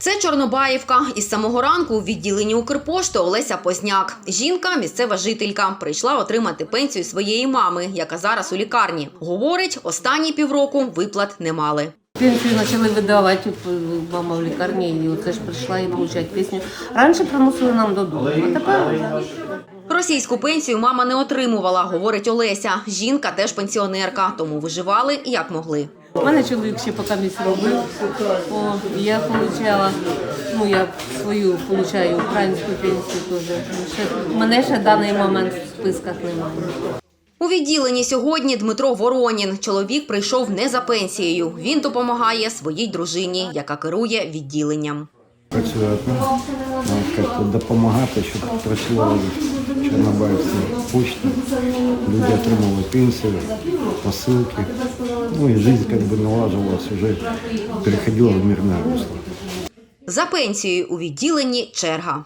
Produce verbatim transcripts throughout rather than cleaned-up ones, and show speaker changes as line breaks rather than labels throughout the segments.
Це Чорнобаївка. Із самого ранку у відділенні Укрпошти Олеся Позняк. Жінка – місцева жителька. Прийшла отримати пенсію своєї мами, яка зараз у лікарні. Говорить, останні півроку виплат не мали.
Пенсію почали видавати, мама в лікарні, і оце ж прийшла і отримати пенсію. Раніше приносили нам додому, а тепер вже.
Російську пенсію мама не отримувала, говорить Олеся. Жінка теж пенсіонерка, тому виживали як могли.
У мене чоловік ще поки місць робив, О, я отримала, ну я свою отримую українську пенсію теж. Ще, мене ще в даний момент в списках немає.
У відділенні сьогодні Дмитро Воронін. Чоловік прийшов не за пенсією. Він допомагає своїй дружині, яка керує відділенням.
Працює одна, як допомагати, щоб працювали в Чорнобаївці почта, люди отримали пенсію, посилки. Ну і життя як би наладжувалась, вже переходила в мирне русло.
За пенсією у відділенні черга.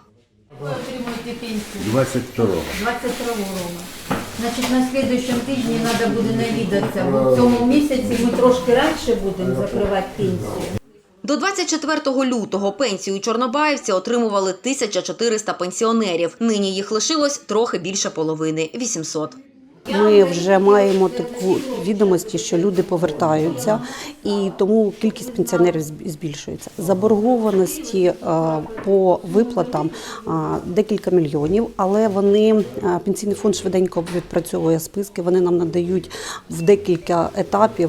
двадцять второго.
двадцять второго. Значить, на слідуючому тижні треба буде навідатися, бо в цьому місяці ми трошки раніше будемо закривати пенсію.
До двадцять четвертого лютого пенсію у Чорнобаївці отримували тисяча чотириста пенсіонерів. Нині їх лишилось трохи більше половини – вісімсот.
Ми вже маємо таку відомості, що люди повертаються, і тому кількість пенсіонерів збільшується. Заборгованості по виплатам декілька мільйонів, але вони, Пенсійний фонд швиденько відпрацьовує списки, вони нам надають в декілька етапів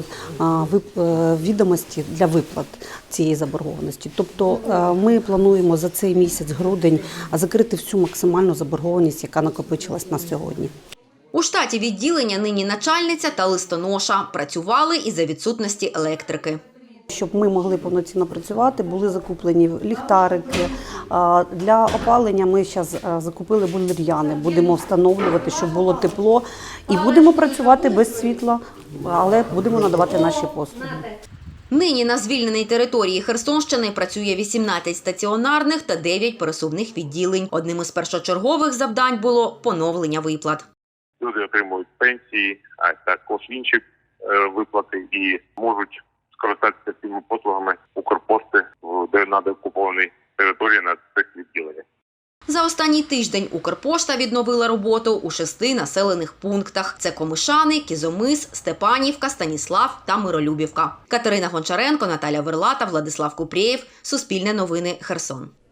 відомості для виплат цієї заборгованості. Тобто ми плануємо за цей місяць, грудень, закрити всю максимальну заборгованість, яка накопичилась на сьогодні.
У штаті відділення нині начальниця та листоноша. Працювали із-за відсутності електрики.
Щоб ми могли повноцінно працювати, були закуплені ліхтарики. Для опалення ми зараз закупили бойлер'яни. Будемо встановлювати, щоб було тепло. І будемо працювати без світла, але будемо надавати наші послуги.
Нині на звільненій території Херсонщини працює вісімнадцять стаціонарних та дев'ять пересувних відділень. Одним із першочергових завдань було поновлення виплат.
Люди отримують пенсії, а також інші виплати і можуть скористатися цими послугами Укрпошти в надокупованій території на цих відділеннях.
За останній тиждень Укрпошта відновила роботу у шести населених пунктах. Це Комишани, Кізомис, Степанівка, Станіслав та Миролюбівка. Катерина Гончаренко, Наталя Верлата, Владислав Купрєєв. Суспільне новини, Херсон.